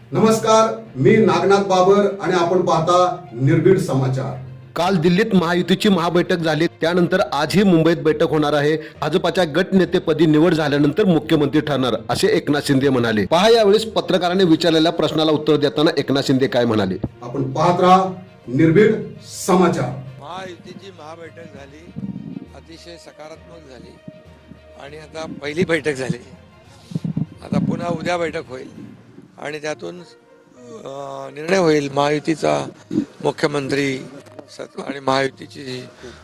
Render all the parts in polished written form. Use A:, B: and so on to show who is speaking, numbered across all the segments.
A: नमस्कार, मी नागनाथ बाबर आणि आपण पाहता निर्भीड समाचार। काल दिल्लीत महायुतीची महाबैठक झाली, त्यानंतर आजही मुंबईत बैठक होणार आहे। भाजपाच्या गट नेतेपदी निवड झाल्यानंतर मुख्यमंत्री ठरणार असे एकनाथ शिंदे म्हणाले। पहा यावेळेस पत्रकारांनी विचारलेल्या प्रश्नाला उत्तर देताना एकनाथ शिंदे काय म्हणाले। आपण पाहत राहा निर्भीड समाचार।
B: महायुतीची महाबैठक झाली, अतिशय सकारात्मक झाली आणि आता पहिली बैठक झाली। आता पुन्हा उद्या बैठक होईल आणि त्यातून निर्णय होईल महायुतीचा मुख्यमंत्री आणि महायुतीची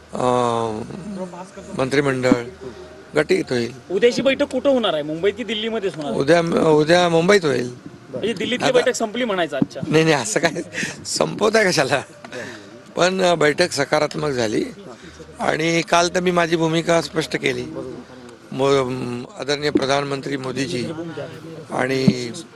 B: मंत्रिमंडळ गटित होईल।
C: उद्याची बैठक कुठं होणार आहे, मुंबईत की दिल्लीमध्येच होणार?
B: उद्या मुंबईत होईल।
C: म्हणजे दिल्लीतली बैठक संपली म्हणायचं आजच्या?
B: नाही असं काय संपवताय कशाला, पण बैठक सकारात्मक झाली आणि काल तर मी माझी भूमिका स्पष्ट केली। आदरणीय प्रधानमंत्री मोदीजी आणि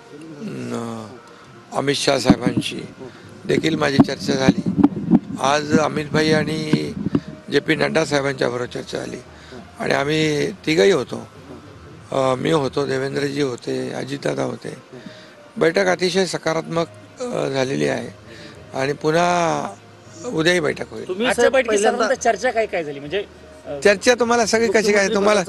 B: अमित शाह साहेबांशी देखील माझी चर्चा झाली। आज अमित भाई आणि JP नड्डा साहेबांच्या बरोबर चर्चा झाली आणि आम्ही तिघही होतो, मी होतो, देवेंद्रजी होते, अजितदादा होते। बैठक अतिशय सकारात्मक झालेली आहे आणि पुन्हा उद्याही बैठक होईल।
C: आजच्या बैठकीत साधारणतः चर्चा काय झाली? म्हणजे
B: चर्चा तुम्हाला सगळी कशी काय तुम्हाला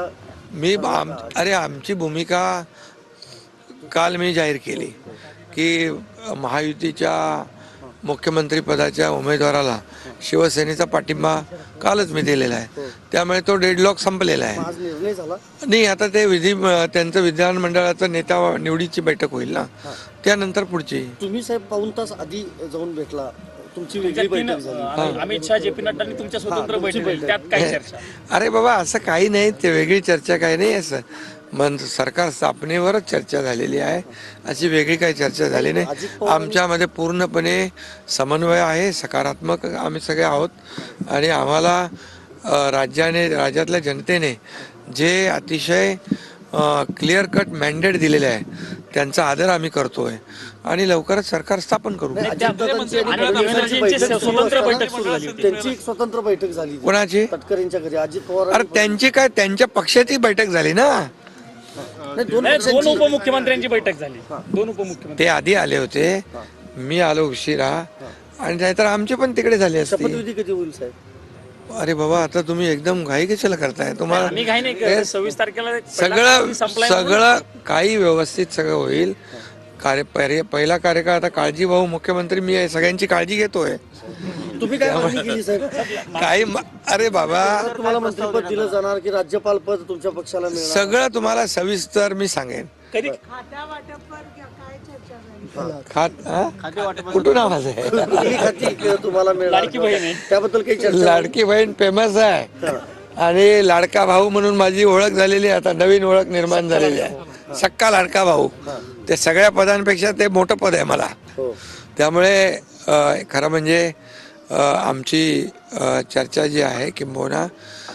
B: आमची भूमिका काल मी जाहीर केली की महायुतीच्या मुख्यमंत्री पदाच्या उमेदवाराला शिवसेनेचा पाठिंबा कालच मी दिलेला आहे, त्यामुळे तो डेडलॉक संपलेला आहे। नाही, आता ते त्यांचं विधानमंडळाचं नेता निवडीची बैठक होईल ना, त्यानंतर पुढची।
D: तुम्ही साहेब पाऊण तास आधी जाऊन भेटला, तुमची वेगळी बैठक झाली।
C: अमित शाह JP नड्डांनी तुमच्या स्वतंत्र बैठक, त्यात काय चर्चा?
B: अरे बाबा, असं काही नाही, ते वेगळी चर्चा काही नाही। असं सरकार स्थापनेवरच चर्चा झालेली आहे, अशी वेगळी काही चर्चा झाली नाही। आमच्यामध्ये पूर्णपणे समन्वय आहे, सकारात्मक आम्ही सगळे आहोत आणि आम्हाला राज्यातल्या जनतेने जे अतिशय क्लिअर कट मॅन्डेट दिलेले आहे त्यांचा आदर आम्ही करतोय आणि लवकरच सरकार स्थापन करू।
C: स्वतंत्र बैठक सुरू झाली,
D: त्यांची एक स्वतंत्र बैठक झाली
B: कोणाची?
D: तटकरेंच्या घरी अजित पवार।
B: अरे त्यांची काय, त्यांच्या पक्षाची बैठक झाली ना।
C: दोन उपमुख्यमंत्र्यांची बैठक झाली, दोन उपमुख्यमंत्री
B: ते आधी आले होते, मी आलो उशिरा आणि नाहीतर आमचे पण तिकडे झाले असते।
D: शपथविधी कधी होईल साहेब?
B: अरे बाबा, आता तुम्ही एकदम घाई कशाला करताय? तुम्हाला
C: आम्ही काही नाही करत, 26 तारखेला
B: सगळं काही व्यवस्थित सगळं होईल। पहिला कार्यकाळ आता काळजी भाऊ मुख्यमंत्री मी आहे, सगळ्यांची काळजी घेतोय।
D: तुम्ही काय मागणी केली साहेब?
B: काही अरे बाबा,
D: तुम्हाला मंत्रिपद दिलं जाणार की राज्यपाल पद तुमच्या पक्षाला मिळणार?
B: सगळं तुम्हाला सविस्तर मी सांगेन।
C: कधी
B: कुठून आवाज आहे?
D: तुम्हाला मिळणार
C: लाडकी बहीण आहे,
D: त्याबद्दल काही चर्चा?
B: लाडकी बहीण फेमस आहे आणि लाडका भाऊ म्हणून माझी ओळख झालेली आहे, आता नवीन ओळख निर्माण झालेली आहे, सक्का लाडका भाऊ। ते सगळ्या पदांपेक्षा ते मोठं पद आहे मला, त्यामुळे खरं म्हणजे आमची चर्चा जी आहे किंबहुना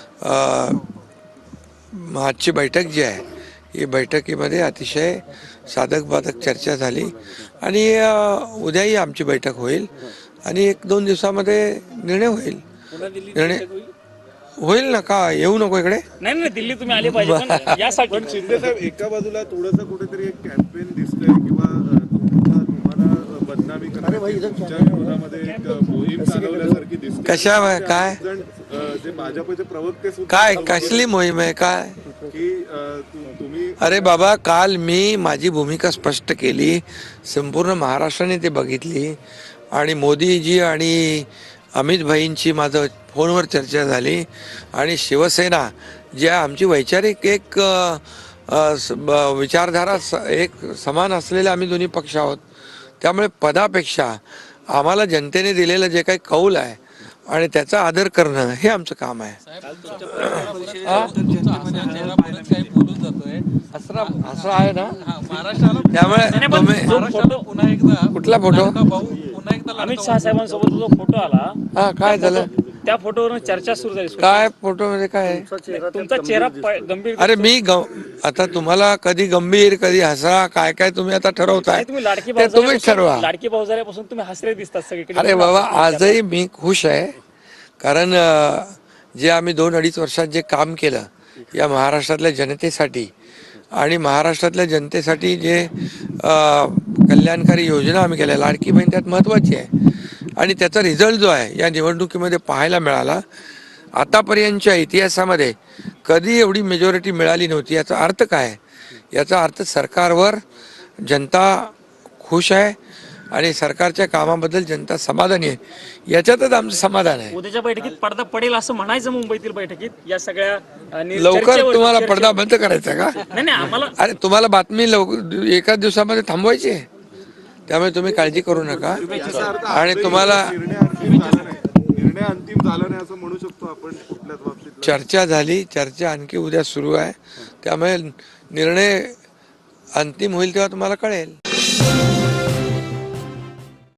B: आजची बैठक जी आहे ही बैठकीमध्ये अतिशय साधक बाधक चर्चा झाली आणि उद्याही आमची बैठक होईल आणि 1-2 दिवसामध्ये निर्णय होईल। निर्णय होईल ना, का येऊ नको इकडे?
C: नाही दिल्ली तुम्ही आले पाहिजे, पण यासाठी
E: पण शिंदे साहेब एका बाजूला थोडंसं कुठेतरी एक कॅम्पेन दिसतंय किंवा तुम्हाला बदनामी करण्याच्या विरोधामध्ये एक मोहीम चालवल्यासारखी दिसते।
B: कशा काय
E: जे भाजपचे प्रवक्ते
B: काय कसली मोहीम आहे काय
E: की तुम्ही?
B: अरे बाबा, काल मी माझी भूमिका स्पष्ट केली, संपूर्ण महाराष्ट्राने ते बघितली आणि मोदीजी आणि अमित भाईंची माझं फोनवर चर्चा झाली आणि शिवसेना जी आमची वैचारिक एक विचारधारा एक समान असलेले आम्ही दोन्ही पक्ष आहोत, त्यामुळे पदापेक्षा आम्हाला जनतेने दिलेलं जे काही कौल आहे आणि त्याचा आदर करणं हे आमचं काम आहे। असं आहे ना, त्यामुळे कुठला फोटो?
C: अमित शाह साहेबांसोबत जो फोटो आला,
B: हा काय झालं?
C: त्या फोटोवरून चर्चा सुरू झाली।
B: काय फोटो मध्ये काय आहे?
C: तुमचा चेहरा गंभीर।
B: अरे आता तुम्हाला कधी गंभीर कधी हसा काय काय तुम्ही आता ठरवताय,
C: तुम्ही लाडकी
B: ते तुम्हीच ठरवा।
C: लाडकी भाऊ झाल्यापासून तुम्ही हसरे दिसतात सगळीकडे।
B: अरे बाबा, आजही मी खुश आहे, कारण जे आम्ही 2-2.5 वर्षात जे काम केलं या महाराष्ट्रातल्या जनतेसाठी आणि महाराष्ट्रातल्या जनतेसाठी जे कल्याणकारी योजना आम्ही केल्या, लाडकी बहीण त्यात महत्त्वाची आहे आणि त्याचा रिझल्ट जो आहे या निवडणुकीमध्ये पाहायला मिळाला. आतापर्यंतच्या इतिहासामध्ये कधी एवढी मेजॉरिटी मिळाली नव्हती. याचा अर्थ काय? याचा अर्थ सरकारवर जनता खुश आहे आणि सरकारच्या कामाबद्दल जनता समाधानी आहे. याच्यातच आमचं समाधान आहे.
C: उद्याच्या बैठकीत पडदा पडेल असं म्हणायचं मुंबईतील बैठकीत या सगळ्या
B: लवकर
C: चर्चेवर-
B: तुम्हाला
C: चर्चेवर-
B: पडदा बंद करायचा का?
C: नाही नाही आम्हाला
B: अरे तुम्हाला बातमी एकाच दिवसामध्ये थांबवायची आहे. त्यामुळे तुम्ही काळजी करू नका आणि तुम्हाला
E: निर्णय अंतिम झाला नाही असं म्हणू शकतो आपण कुठल्याच बाबतीत.
B: चर्चा झाली, चर्चा आणखी उद्या सुरू आहे. त्यामुळे निर्णय अंतिम होईल तेव्हा तुम्हाला कळेल.